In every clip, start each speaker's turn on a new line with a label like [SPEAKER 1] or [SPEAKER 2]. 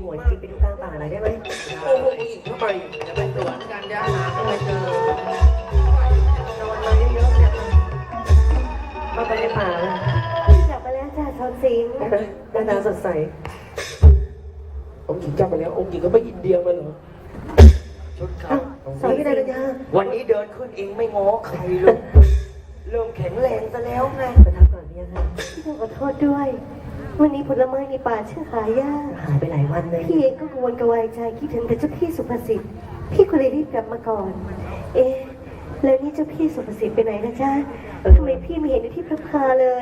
[SPEAKER 1] หัวจิบไปดูกลางป่าหน่อยได้ไหม
[SPEAKER 2] โอ้โหผู้หญิงทำไมจะไปสวนกันจะหาไม่เจอโดนมาเยอะๆเนี่ย
[SPEAKER 1] มาไปในป่าแล้ว
[SPEAKER 3] กลับมาแล้วจ้าชอนสิงห์
[SPEAKER 1] หน้าตาสดใส
[SPEAKER 2] องค์หญิงจับไปแล้วองค์หญิงก็ไปอินเดียมาเหรอชุดเขา
[SPEAKER 1] สวยพี่นายา
[SPEAKER 4] วันนี้เดินขึ้นเองไม่ง้อใครเลยเริ่มแข็งแรงซะแล้วไง
[SPEAKER 1] ประทับก่อนพี่ยังค่ะ
[SPEAKER 3] พี่ต้องขอโทษด้วย วันนี้ผลไม้ในป่าชื่อหายาก
[SPEAKER 1] หายไปหลายวันเลย
[SPEAKER 3] พี่เองก็กังวลกระวายใจคิดถึงแต่เจ้าพี่สุภสิทธิ์พี่ก็เลยรีบกลับมาก่อน เอ๊ะแล้วนี่เจ้าพี่สุภสิทธิ์ไปไหนนะจ๊ะทำไมพี่ไม่เห็นอยู่ที่พระพาเลย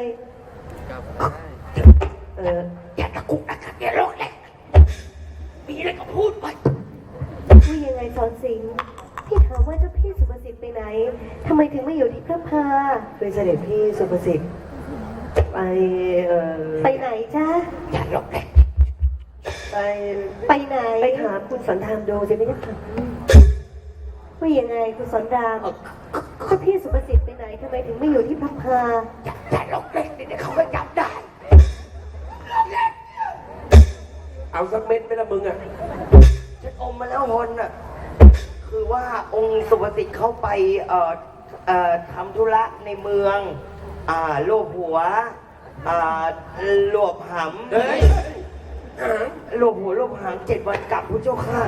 [SPEAKER 4] อย่าตะกุกตะกักอย่าร้องเลยมีอะไรก็พูดไป
[SPEAKER 3] ว่ายังไงสอนสิงห์พี่ถามว่าเจ้าพี่สุภสิทธิ์ไปไหนทำไมถึงไม่อยู่ที่พระพา
[SPEAKER 1] เป็นเสด็จพี่สุภสิทธิ์ไป
[SPEAKER 3] ไปไหนจ๊ะ
[SPEAKER 4] อย่าร้องเลย
[SPEAKER 1] ไป
[SPEAKER 3] ไปไหน
[SPEAKER 1] ไปถามคุณสันธามดูจะไม่ได้ค่ะ
[SPEAKER 3] ว่ายังไงคุณสอนรามเจ้าพี่สุภสิทธิ์ไปไหนทำไมถึงไม่อยู่ที่พระพา
[SPEAKER 4] อย่าร้องเลยเดี๋ยวเขาก็จับได้
[SPEAKER 2] เอาสักเม็ดไหมล่ะมึงอ่ะ
[SPEAKER 4] ฉันอมมาแล้วฮอนอ่ะคือว่าองค์สุภสิทธิ์เขาไปทำธุระในเมืองโลภหัวหลวบห
[SPEAKER 2] เฮ้ย
[SPEAKER 4] ำโลภหัวโลภหาง7 วันกลับพระเจ้าค่ะ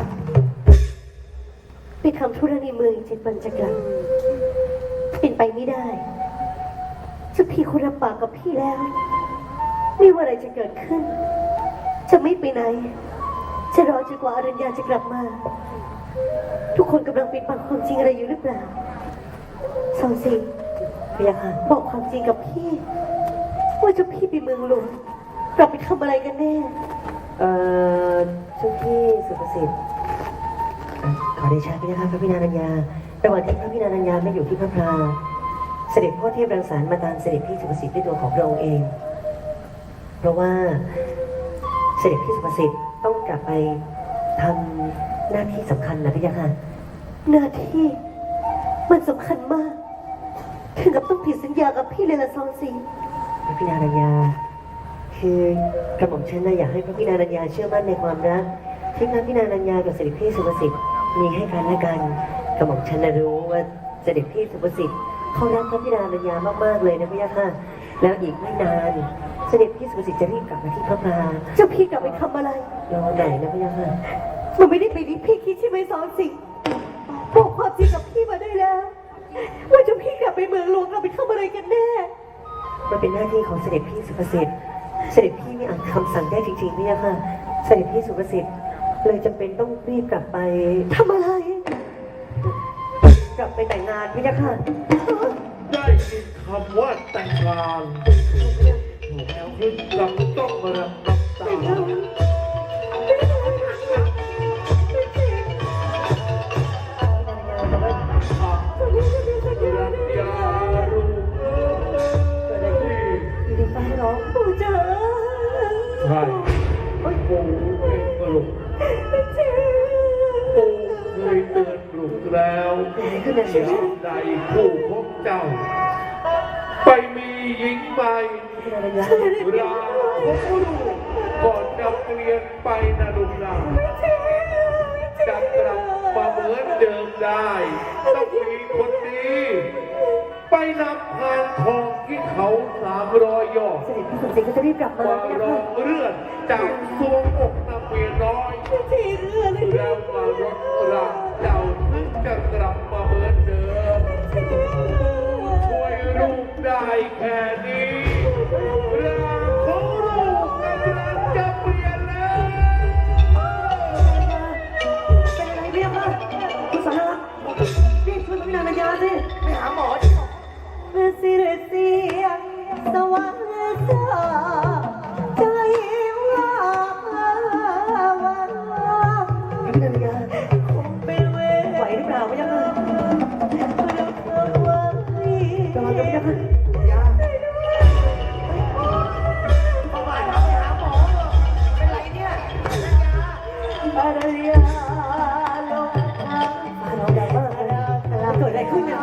[SPEAKER 3] ไปทำธุระในเมืองอีก7 วันจะกลับเป็นไปไม่ได้เจ้าพี่คุณรับปากกับพี่แล้วไม่ว่าอะไรจะเกิดขึ้น จะไม่ไปไหน จะรอจนกว่าอรัญญาจะกลับมา ทุกคนกำลังปิดบังความจริงอะไรอยู่หรือเปล่าสอนสิงห์
[SPEAKER 1] พี่ยังค่ะ
[SPEAKER 3] บอกความจริงกับพี่ ว่าเจ้าพี่ไปเมืองหลวงเราไปทำอะไรกันแน่
[SPEAKER 1] เจ้าพี่สุภสิทธิ์ขอเดชะพี่นะคะพระพินารัญญาระหว่างที่พระพินารัญญาไม่อยู่ที่พระพราเสด็จพ่อเทพรังสรรค์มาตามเสด็จพี่สุภสิทธิ์ด้วยตัวของพระองค์เอง เพราะว่าเสด็จพี่สุภสิทธิ์ต้องกลับไปทำหน้าที่สำคัญนะพี่ยังค่ะ
[SPEAKER 3] หน้าที่มันสำคัญมาก ถึงกับต้องผิดสัญญากับพี่เลยละซองสิงห์
[SPEAKER 1] พระพินารัญญาคือกระหม่อมฉันนะอยากให้พระพินารัญญาเชื่อมั่นในความรักที่พระพินารัญญากับเสด็จพี่สุภสิทธิ์มีให้กันและกันกระหม่อมฉันนะรู้ว่าเสด็จพี่สุภสิทธิ์เขารักพระพินารัญญามากๆเลยนะพี่ยะค่ะแล้วอีกไม่นานเสด็จพี่สุภสิทธิ์จะรีบกลับมาที่พระพรา
[SPEAKER 3] เจ้าพี่กลับไปทำอะไร
[SPEAKER 1] รอไหนนะพี่ยะค่ะ
[SPEAKER 3] มันไม่ได้ไปที่พี่คิดใช่ไหมซอนสิงห์บอกความจริงกับพี่มาได้แล้ว ว่าเจ้าพี่กลับไปเมืองหลวงเราไปทำอะไรกันแน่
[SPEAKER 1] มันเป็นหน้าที่ของเสด็จพี่สุภสิทธิ์เสด็จพี่ไม่อาจคำสั่งได้จริงๆพี่ยะค่ะเสด็จพี่สุภสิทธิ์เลยจำเป็นต้องรีบกลับไป
[SPEAKER 3] ทำอะไร
[SPEAKER 1] กลับไปแต่งงานพี่ยะค่ะ
[SPEAKER 5] ได้ยินคำว่าแต่งงานแล้วขึ้นลำต้องมารับน้ำตารัญญาลูกที่
[SPEAKER 3] อยู่ในฟ้าร้องปู่จ๋า
[SPEAKER 5] ใช่ปู่เองก็ลูก
[SPEAKER 3] เจ้า
[SPEAKER 5] ปู่เคยเตือนลูกแล้วยามใดผู้พบเจ้า ไปมีหญิงใหม่
[SPEAKER 1] พี่นารัญญา
[SPEAKER 5] ราพบลูกก่อนจะเปลี่ยนไปนะลูกนะจะกลับมาเหมือนเดิมได้ ต้องมีคนดีไปนำพานทองที่เขา300 ยอด
[SPEAKER 3] เสด็จพี่สมศรีก็จะรีบกลับมา
[SPEAKER 5] มา
[SPEAKER 3] เนี่ย
[SPEAKER 5] รอ
[SPEAKER 3] ค่ะ
[SPEAKER 5] งเลือดจากสวงอกนางเมียน้อย
[SPEAKER 3] ที่เรือเลย
[SPEAKER 5] แล้วมารถรางเจ้าถึงจะกลับมาเหมือนเดิมช่วยลูกได้แค่นี้ร่างของลูกกำลังจะเปลี่ยนแล้ว
[SPEAKER 1] เป็นอะไรเนี่ยค่ะคุณสารารีบช่วยพระพินารัญญาสิ
[SPEAKER 4] ไปหาหมอดิ
[SPEAKER 3] เมื่อสิรเสียงสว่างจ้าใจว่าว่า
[SPEAKER 1] พระพินารัญญา
[SPEAKER 3] คงเป็นเวร
[SPEAKER 1] ไหวหรือเปล่าพี่ยะค่ะ
[SPEAKER 3] เราเธอไว้
[SPEAKER 1] ระวังนะพี่ยะค่ะ
[SPEAKER 4] ยาเอาไปหาหมอเถอะเป็นไรเนี่ย
[SPEAKER 3] อารยาลงทาง
[SPEAKER 1] ฟ้าร้องดังมากเลยเกิดอะไรขึ้นเนี่ย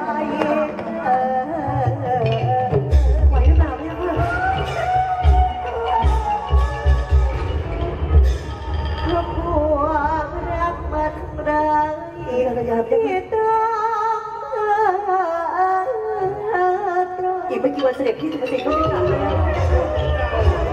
[SPEAKER 1] ไหวหรือเปล่าพี่ยะค่ะ
[SPEAKER 3] พระพุ
[SPEAKER 1] ยาพระเจ้าค่ะอีกไม่กี่วันเสด็จพี่สุภสิทธิ์ก็จะกลับแล้ว